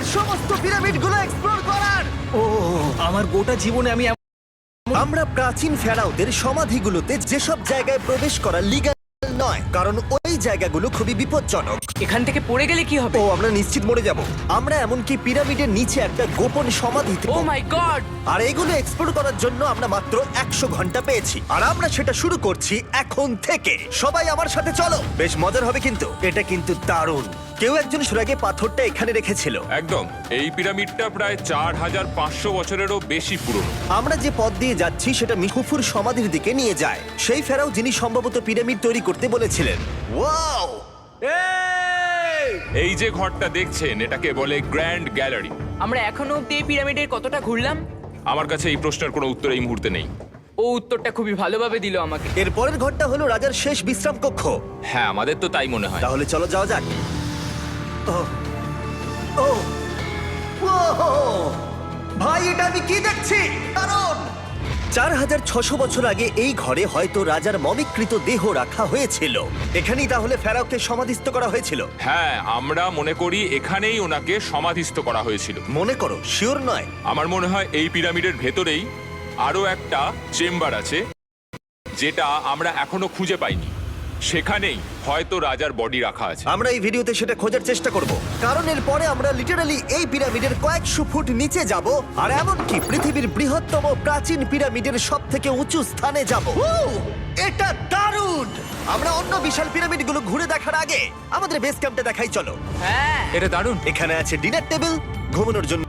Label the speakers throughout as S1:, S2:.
S1: আর সমস্ত পিরামিডগুলো এক্সপ্লোর করার।
S2: ও আমার গোটা জীবনে আমি
S1: আমরা প্রাচীন ফেরাওদের সমাধিগুলোতে যেসব জায়গায় প্রবেশ করা লিগ্যাল নয়, কারণ ওই জায়গাগুলো খুবই বিপজ্জনক।
S3: এখান থেকে পড়ে গেলে কি হবে?
S1: ও আমরা নিশ্চিত মরে যাব। আমরা এমনকি পিরামিডের নিচে একটা গোপন সমাধিতে
S3: ও মাই গড!
S1: আর এগুলো এক্সপ্লোর করার জন্য আমরা মাত্র 100 ঘন্টা পেয়েছি, আর আমরা সেটা শুরু করছি এখন থেকে। সবাই আমার সাথে চলো, বেশ মজার হবে কিন্তু। এটা কিন্তু দারুণ। কেউ একজন সুরাগে পাথরটা এখানে রেখেছিল।
S4: একদম, এই পিরামিডটা প্রায় 4500 বছরেরও বেশি পুরনো।
S1: আমরা যে পথ দিয়ে যাচ্ছি সেটা খুফুর সমাধির দিকে নিয়ে যায়, সেই ফেরাও যিনি সম্ভবত পিরামিড তৈরি করতে বলেছিলেন। ওয়াও!
S4: এই যে ঘরটা দেখছেন এটাকে বলে গ্র্যান্ড গ্যালারি।
S3: আমরা এখনো অব্দি এই পিরামিডের কতটা ঘুরলাম?
S4: আমার কাছে এই প্রশ্নের কোনো উত্তর এই মুহূর্তে নেই।
S3: ও উত্তরটা খুবই ভালোভাবে দিল আমাকে।
S1: এর পরের ঘরটা হলো রাজার শেষ বিশ্রাম কক্ষ।
S4: হ্যাঁ, আমাদের তো তাই মনে হয়।
S1: তাহলে চলো যাওয়া যাক। ও ও ও ভাই, এটা আমি কি দেখছি? কারণ 4600 বছর আগে এই ঘরে হয়তো রাজার মমিকৃত দেহ রাখা হয়েছিল। এখানেই তাহলে ফেরাওকে সমাধিস্থ করা হয়েছিল।
S4: হ্যাঁ, আমরা মনে করি এখানেই ওনাকে সমাধিস্থ করা হয়েছিল।
S1: মনে করো, শিওর নয়।
S4: আমার মনে হয় এই পিরামিডের ভেতরেই আরো একটা চেম্বার আছে যেটা আমরা এখনো খুঁজে পাইনি। সেখানেই হয়তো রাজার বডি রাখা আছে।
S1: আমরা এই ভিডিওতে সেটা খোঁজার চেষ্টা করব, কারণ এর পরে আমরা লিটারালি এই পিরামিডের কয়েকশো ফুট নিচে যাব, আর এমনকি পৃথিবীর বৃহত্তম প্রাচীন পিরামিডের সবথেকে উঁচু স্থানে যাব। এটা দারুণ! আমরা অন্য বিশাল পিরামিডগুলো ঘুরে দেখার আগে আমাদের বেস ক্যাম্পটা দেখাই চলো।
S3: হ্যাঁ,
S4: এটা দারুণ।
S1: এখানে আছে ডিনার টেবিল, ঘুমানোর জন্য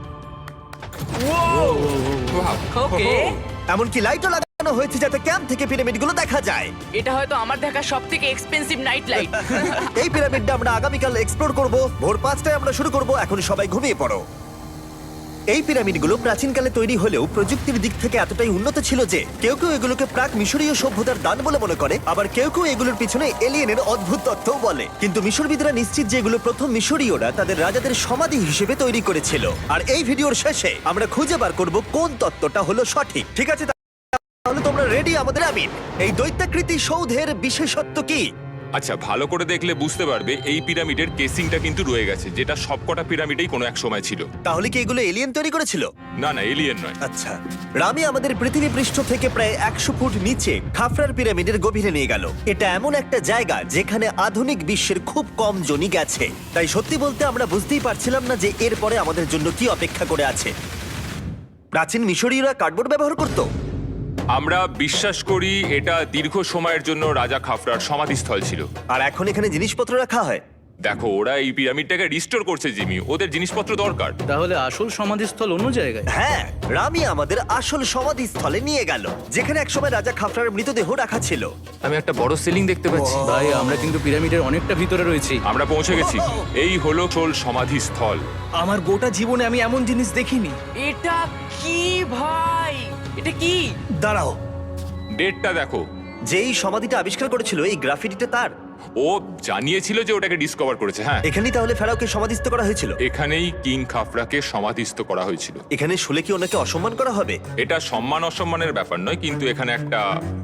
S3: ওকে।
S1: এমনকি লাইটও লাগানো হয়েছে যাতে ক্যাম্প থেকে পিরামিডগুলো দেখা যায়।
S3: এটা হয়তো আমার দেখা সবথেকে এক্সপেন্সিভ নাইট লাইট।
S1: এই পিরামিডটা আমরা আগামীকাল এক্সপ্লোর করব। ভোর 5টায় আমরা শুরু করব। এখন সবাই ঘুমিয়ে পড়ো। এই পিরামিডগুলো প্রাচীনকালে তৈরি হলেও প্রযুক্তির দিক থেকে এতটাই উন্নত ছিল যে কেউ কেউ এগুলোকে প্রাক মিশরীয় সভ্যতার দান বলে মনে করে, আবার কেউ কেউ এগুলোর পিছনে এলিয়েনের অদ্ভুত তত্ত্বও বলে। কিন্তু মিশরবিদরা নিশ্চিত যে এগুলো প্রথম মিশরীয়রা তাদের রাজাদের সমাধি হিসেবে তৈরি করেছিল। আর এই ভিডিওর শেষে আমরা খুঁজে বার করব কোন তত্ত্বটা হলো সঠিক। ঠিক আছে, তাহলে তোমরা রেডি? আমাদের আমিন, এই দৈত্যাকৃতি সৌধের বিশেষত্ব কি?
S4: আচ্ছা, ভালো করে দেখলে বুঝতে পারবে এই পিরামিডের কেসিংটা কিন্তু রয়ে গেছে, যেটা সবকটা পিরামিডেই কোনো এক সময় ছিল।
S1: তাহলে কি এগুলো এলিয়েন তৈরি করেছিল?
S4: না না, এলিয়েন নয়।
S1: আচ্ছা, রামি আমাদের পৃথিবী পৃষ্ঠ থেকে প্রায় 100 ফুট নিচে খাফরার পিরামিডের গভীরে নিয়ে গেল। এটা এমন একটা জায়গা যেখানে আধুনিক বিশ্বের খুব কম জনই গেছে। তাই সত্যি বলতে আমরা বুঝতেই পারছিলাম না যে এরপরে আমাদের জন্য কি অপেক্ষা করে আছে। প্রাচীন মিশরীয়রা কার্ডবোর্ড ব্যবহার করত।
S4: আমরা বিশ্বাস করি এটা দীর্ঘ সময়ের জন্য রাজা খাফরার সমাধিস্থল ছিল।
S1: আর এখন এখানে জিনিসপত্র রাখা হয়।
S4: দেখো, ওরা এই পিরামিডটাকে রিস্টোর করছে জিমি, ওদের জিনিসপত্র দরকার।
S2: তাহলে আসল সমাধিস্থল অন্য জায়গায়।
S1: হ্যাঁ, রামি আমাদের আসল সমাধিস্থলে নিয়ে গেল, যেখানে একসময় রাজা খাফরার মৃতদেহ রাখা ছিল।
S5: আমি একটা বড় সিলিং দেখতে পাচ্ছি।
S2: ভাই, আমরা কিন্তু পিরামিডের অনেকটা ভিতরে রয়েছি।
S4: আমরা পৌঁছে গেছি। এই হলো আসল সমাধিস্থল।
S2: আমার গোটা জীবনে আমি এমন জিনিস দেখিনি।
S3: এটা কি ভাই? এটা কি?
S1: দাঁড়াও,
S4: ডেটটা দেখো।
S1: যেই সমাধিটা আবিষ্কার করেছিল এই গ্রাফিটিটা তার।
S4: ও জানিয়েছিল যে ওটাকে ডিসকভার করেছে। হ্যাঁ,
S1: এখানেই তাহলে ফেরাওকে সমাধিস্থ করা হয়েছিল।
S4: এখানেই কিং খাফরাকে সমাধিস্থ করা হয়েছিল।
S1: এখানে শুলে কি ওনাকে অসম্মান করা হবে?
S4: এটা সম্মান অসম্মানের ব্যাপার নয়, কিন্তু এখানে একটা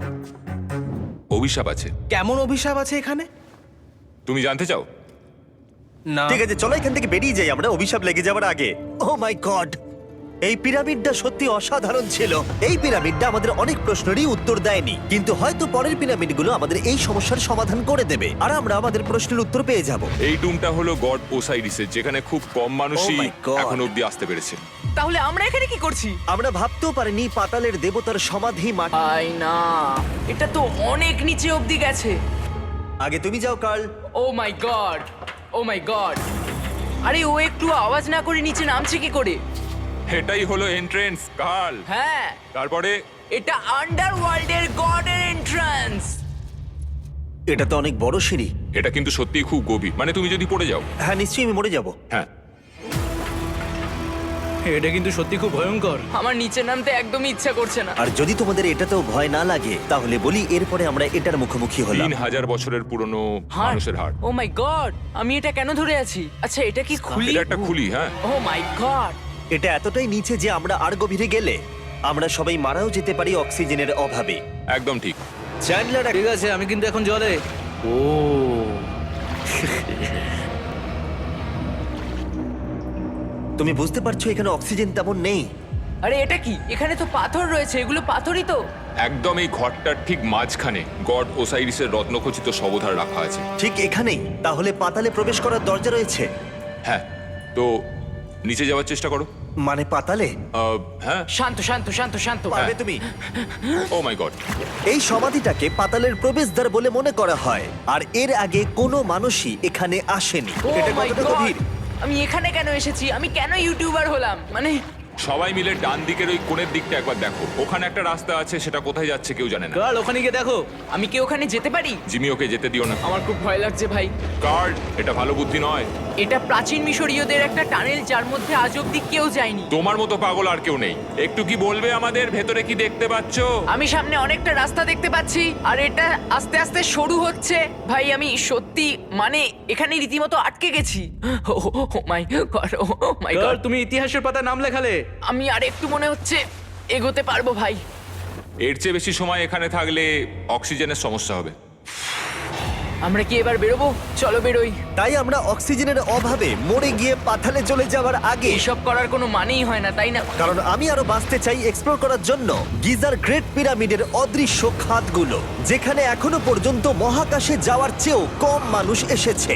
S4: অভিশাপ আছে।
S2: কেমন অভিশাপ আছে এখানে?
S4: তুমি জানতে চাও?
S2: না।
S1: ঠিক আছে, চলো এখান থেকে বেরিয়ে যাই আমরা অভিশাপ লেগে যাওয়ার আগে। ও মাই গড, এই পিরামিডটা সত্যি অসাধারণ ছিল। এই পিরামিডটা আমাদের অনেক প্রশ্নেরই উত্তর দেয়নি, কিন্তু হয়তো পরের পিরামিডগুলো আমাদের এই সমস্যার সমাধান করে দেবে, আর আমরা আমাদের প্রশ্নের উত্তর পেয়ে যাব।
S4: এই টুমটা হলো গড ওসাইরিসের, যেখানে খুব কম মানুষই
S1: Oh my God!
S4: এখন অব্দি আসতে পেরেছে।
S3: তাহলে আমরা এখানে কি করছি?
S1: আমরা ভাবতেও পারিনি পাতালের দেবতার সমাধি মাটি।
S3: আই না, এটা তো অনেক নিচে অব্দি গেছে।
S1: আগে তুমি যাও Carl.
S3: Oh my god, oh my god! আরে ও একটু আওয়াজ না করে নিচে নামছে কি করে?
S4: এটাই হলো এন্ট্রেন্স, কাল।
S3: হ্যাঁ,
S4: তারপরে
S3: এটা আন্ডারওয়ার্ল্ডের গডের এন্ট্রান্স।
S1: এটা তো অনেক বড় সিঁড়ি।
S4: এটা কিন্তু সত্যিই খুব গভীর, মানে তুমি যদি পড়ে যাও।
S1: হ্যাঁ, নিশ্চয়ই আমি মরে যাব।
S4: হ্যাঁ,
S2: এটা কিন্তু সত্যি খুব ভয়ঙ্কর।
S3: আমার নিচে নামতে একদমই ইচ্ছা করছে না।
S1: আর যদি তোমাদের এটাতেও ভয় না লাগে তাহলে বলি এরপরে আমরা এটার মুখোমুখি হলাম।
S4: 3000 বছরের পুরনো
S3: হার্ট,
S4: মানুষের হাড়।
S3: Oh my god! আমি এটা কেন ধরে আছি? আচ্ছা, এটা কি খুলি?
S4: এটা একটা খুলি। হ্যাঁ,
S3: ও মাই গড!
S1: এটা এতটাই নিচে যে আমরা আর গভীরে গেলে আমরা সবাই মারাও যেতে পারি অক্সিজেনের অভাবে।
S4: একদম ঠিক।
S1: চ্যান্ডলার,
S2: ঠিক আছে, আমি কিন্তু এখন জলে। ও
S1: তুমি বুঝতে পারছো এখানে অক্সিজেন তেমন নেই।
S3: আরে এটা কি? এখানে তো পাথর রয়েছে, এগুলো পাথরই তো।
S4: একদম এই ঘরটার ঠিক মাঝখানে গড ওসাইরিসের রত্নখচিত শবধার রাখা আছে।
S1: ঠিক এখানেই? তাহলে পাতালে প্রবেশ করার দরজা রয়েছে?
S4: হ্যাঁ, তো নিচে যাওয়ার চেষ্টা করো।
S1: মানে পাতালে?
S4: হ্যাঁ।
S3: শান্ত শান্ত শান্ত শান্ত।
S1: পারবে তুমি?
S4: Oh my god.
S1: এই সমাধিটাকে পাতালের প্রবেশদ্বার বলে মনে করা হয়, আর এর আগে কোনো মানুষই এখানে আসেনি।
S3: Oh
S1: এটা
S3: my
S1: কতটা
S3: God!
S1: গভীর?
S3: আমি এখানে কেন এসেছি? আমি কেন ইউটিউবার হলাম? মানে
S4: সবাই মিলে ডান দিকের ওই কোণের দিকটা একবার দেখো। ওখানে একটা রাস্তা আছে, সেটা কোথায় যাচ্ছে কেউ জানে না।
S2: কাল ওখানে গিয়ে দেখো।
S3: আমি কি ওখানে যেতে পারি?
S4: জিমি, ওকে যেতে দিও না।
S3: আমার খুব ভয় লাগছে ভাই।
S4: কার্ড, এটা ভালো বুদ্ধি নয়।
S3: এটা প্রাচীন মিশরীয়দের একটা টানেল যার মধ্যে আজ অব্দি কেউ যায়নি।
S4: তোমার মতো পাগল আর কেউ নেই। একটু কি বলবে আমাদের ভেতরে কি দেখতে পাচ্ছো?
S3: আমি সামনে অনেকটা রাস্তা দেখতে পাচ্ছি, আর এটা আস্তে আস্তে সরু হচ্ছে। ভাই আমি সত্যি মানে এখানে রীতিমতো আটকে গেছি। ও মাই গড, ও মাই
S2: কাল
S3: গড।
S2: তুমি ইতিহাসের পাতায় নাম লেখালে।
S3: আমি আর একটু মনে হচ্ছে এগোতে পারবো ভাই।
S4: এর চেয়ে বেশি সময় এখানে থাকলে অক্সিজেনের সমস্যা হবে।
S3: আমরা কি এবার বেরোবো? চলো বেরোই।
S1: তাই আমরা অক্সিজেনের অভাবে মরে গিয়ে পাতালে চলে যাওয়ার আগে,
S3: এইসব করার কোনো মানেই হয় না, তাই না?
S1: কারণ আমি আরো বাঁচতে চাই, এক্সপ্লোর করার জন্য গিজার গ্রেট পিরামিডের অদৃশ্য খাতগুলো, যেখানে এখনো পর্যন্ত মহাকাশে যাওয়ার চেয়েও কম মানুষ এসেছে।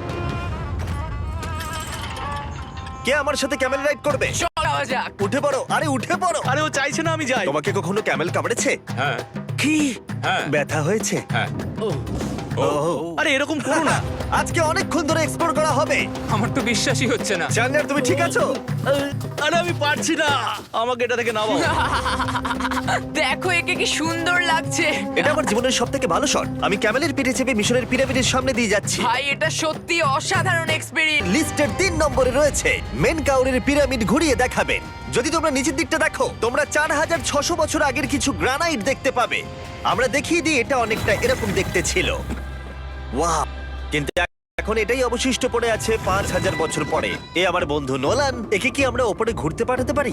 S1: কে আমার সাথে ক্যামেল রাইড করবে?
S3: চল যাওয়া যাক।
S1: উঠে পড়ো, আরে উঠে পড়ো।
S2: আরে ও চাইছে না আমি যাই।
S1: তোমাকে কখনো ক্যামেল কামড়েছে?
S4: হ্যাঁ
S1: কি?
S4: হ্যাঁ
S1: ব্যথা হয়েছে?
S4: হ্যাঁ।
S2: আরে এরকম করো না।
S1: আজকে অনেকক্ষণ ধরে এক্সপ্লোর করা হবে।
S4: আমার তো বিশ্বাসই হচ্ছে না।
S1: জানলার, তুমি ঠিক আছো?
S2: আরে আমি পারছি না, আমাকে এটা থেকে নামাও।
S3: দেখো একে কি সুন্দর লাগছে।
S1: এটা আমার জীবনের সব থেকে ভালো শট। আমি ক্যামেলের পিঠে চেপে মিশরের পিরামিডের সামনে দিয়ে যাচ্ছি।
S3: ভাই এটা সত্যি অসাধারণ এক্সপেরিয়েন্স।
S1: লিস্টের 3 নম্বরে রয়েছে মেন কাউরের পিরামিড ঘুরিয়ে দেখাবেন। যদি তোমরা নিচের দিকটা দেখো, তোমরা 4600 বছর আগের কিছু গ্রানাইট দেখতে পাবে। আমরা দেখিয়ে দিই, এটা অনেকটা এরকম দেখতে ছিল। ওয়াও! কিন্তু এখন এটাই অবশিষ্ট পড়ে আছে 5000 বছর পরে। এ আমার বন্ধু নোলান। একে কি আমরা ওপরে ঘুরতে পাঠাতে পারি?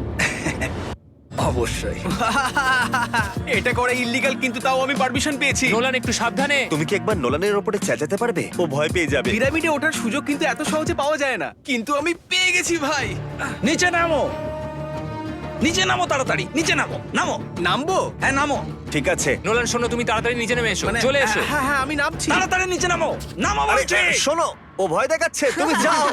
S6: অবশ্যই।
S2: এটা করা ইল্লিগাল, কিন্তু তাও আমি পারমিশন পেয়েছি।
S5: নোলান একটু সাবধানে।
S1: তুমি কি একবার নোলানের ওপরে চেঁচাতে পারবে? ও ভয় পেয়ে যাবে।
S2: পিরামিডে ওঠার সুযোগ কিন্তু এত সহজে পাওয়া যায় না, কিন্তু আমি পেয়ে গেছি ভাই।
S6: নিচে নামো, নিচে নামো, তাড়াতাড়ি নিচে নামো। নামো,
S2: নামবো?
S6: হ্যাঁ নামো,
S1: ঠিক আছে।
S5: নোলান শোনো, তুমি তাড়াতাড়ি নিচে নেমে এসো, চলে এসো।
S2: হ্যাঁ হ্যাঁ আমি নামছি।
S6: তাড়াতাড়ি নিচে নামো। নামো
S1: আরে
S6: বলছি।
S1: শোনো, ও ভয় দেখাচ্ছে, তুমি যাও।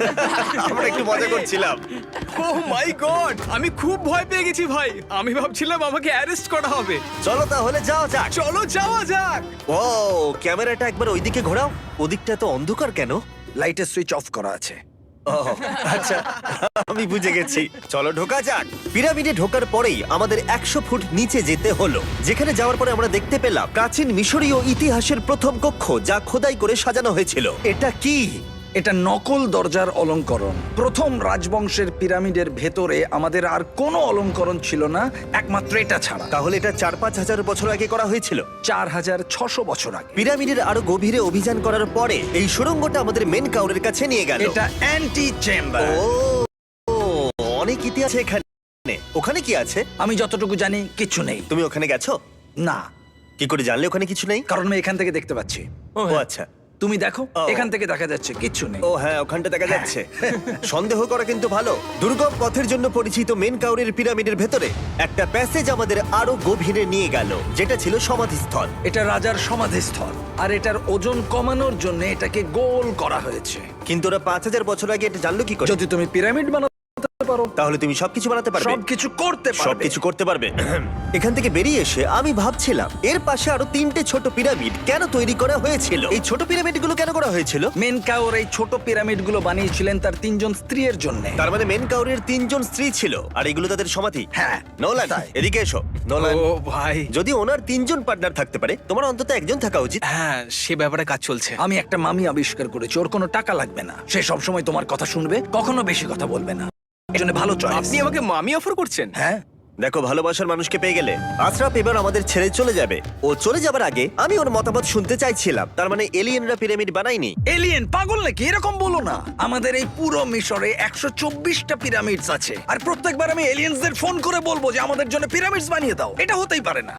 S1: আমরা একটু মজা করছিলাম।
S2: ও মাই গড, আমি খুব ভয় পেয়ে গেছি ভাই। আমি ভাবছিলাম আমাকে অ্যারেস্ট করা হবে।
S1: চলো তাহলে যাও যাক।
S2: চলো যাওয়া যাক।
S1: ও, ক্যামেরাটা একবার ওইদিকে ঘোরাও। ওদিকটা তো অন্ধকার কেন?
S6: লাইটের সুইচ অফ করা আছে।
S1: ও আচ্ছা, আমি বুঝে গেছি। চলো ঢোকা যাক। পিরামিডে ঢোকার পরেই আমাদের 100 ফুট নিচে যেতে হলো, যেখানে যাওয়ার পরে আমরা দেখতে পেলাম প্রাচীন মিশরীয় ইতিহাসের প্রথম কক্ষ, যা খোদাই করে সাজানো হয়েছিল। এটা কি?
S6: এটা নকল দরজার অলঙ্করণ। প্রথম রাজবংশের পিরামিডের ভেতরে আমাদের আর কোনো অলঙ্করণ ছিল না, একমাত্র এটা ছাড়া।
S1: তাহলে এটা 4-5 হাজার বছর আগে করা হয়েছিল।
S6: 4600 বছর আগে।
S1: পিরামিডের আরো গভীরে অভিযান করার পরে এই সুড়ঙ্গটা আমাদের মেন কাউরের কাছে নিয়ে গেল।
S6: এটা অ্যান্টি চেম্বার।
S1: ও, অনেক ইতিহাস এখানে। ওখানে কি আছে?
S6: আমি যতটুকু জানি কিছু নেই।
S1: তুমি ওখানে গেছো?
S6: না,
S1: কি করে জানলে ওখানে কিছু নেই?
S6: কারণ আমি এখান থেকে দেখতে পাচ্ছি।
S1: ও আচ্ছা।
S6: তুমি দেখো,
S1: ও।
S6: এখান থেকে দেখা যাচ্ছে কিচ্ছু নেই।
S1: ও হ্যাঁ, ওখানটা দেখা যাচ্ছে। সন্দেহ করা কিন্তু ভালো। দুর্গম পথের জন্য পরিচিত মেন কাউরের পিরামিডের ভেতরে একটা প্যাসেজ আমাদের আরো গভীরে নিয়ে গেল, যেটা ছিল সমাধিস্থল।
S6: এটা রাজার সমাধিস্থল, আর এটার ওজন কমানোর জন্য এটাকে গোল করা হয়েছে।
S1: কিন্তু ওরা 5000 বছর আগে এটা জানলো কি করে?
S6: যদি তুমি পিরামিড বানাতে পারো,
S1: তাহলে তুমি সবকিছু বানাতে পারবে,
S6: সবকিছু করতে পারবে।
S1: সবকিছু করতে পারবে। এখান থেকে বেরিয়ে এসে আমি ভাবছিলাম, এর পাশে আরো 3টে ছোট পিরামিড কেন তৈরি করা হয়েছিল? এই ছোট পিরামিডগুলো কেন করা হয়েছিল?
S6: মেনকাওর এই ছোট পিরামিডগুলো বানিয়েছিলেন তার 3জন স্ত্রীর জন্য।
S1: তার মানে মেন কাউরের 3জন স্ত্রী ছিল, আর এগুলো তাদের সমাধি।
S6: হ্যাঁ,
S1: নোলান,
S6: তাই।
S1: এদিকে এসো। নোলান,
S2: ও ভাই,
S1: যদি ওনার 3জন পার্টনার থাকতে পারে, তোমার অন্তত একজন থাকা উচিত।
S2: হ্যাঁ সে ব্যাপারে কাজ চলছে।
S6: আমি একটা মামি আবিষ্কার করেছি, ওর কোনো টাকা লাগবে না, সে সব সময় তোমার কথা শুনবে, কখনো বেশি কথা বলবে না। এজন্য ভালো চয়েস।
S2: আপনি আমাকে মামি অফার করছেন?
S6: হ্যাঁ,
S1: দেখো, ভালোবাসার মানুষকে পেয়ে গেলে আশরাফ এবার আমাদের ছেড়ে চলে যাবে। ও চলে যাবার আগে আমি ওর মতামত শুনতে চাইছিলাম। তার মানে এলিয়েনরা পিরামিড বানায়নি?
S6: এলিয়েন পাগল নাকি? এরকম বলো না। আমাদের এই পুরো মিশরে 124টা পিরামিডস আছে, আর প্রত্যেকবার আমি এলিয়েন্সদের ফোন করে বলবো যে আমাদের জন্য পিরামিডস বানিয়ে দাও। এটা হতেই পারে না।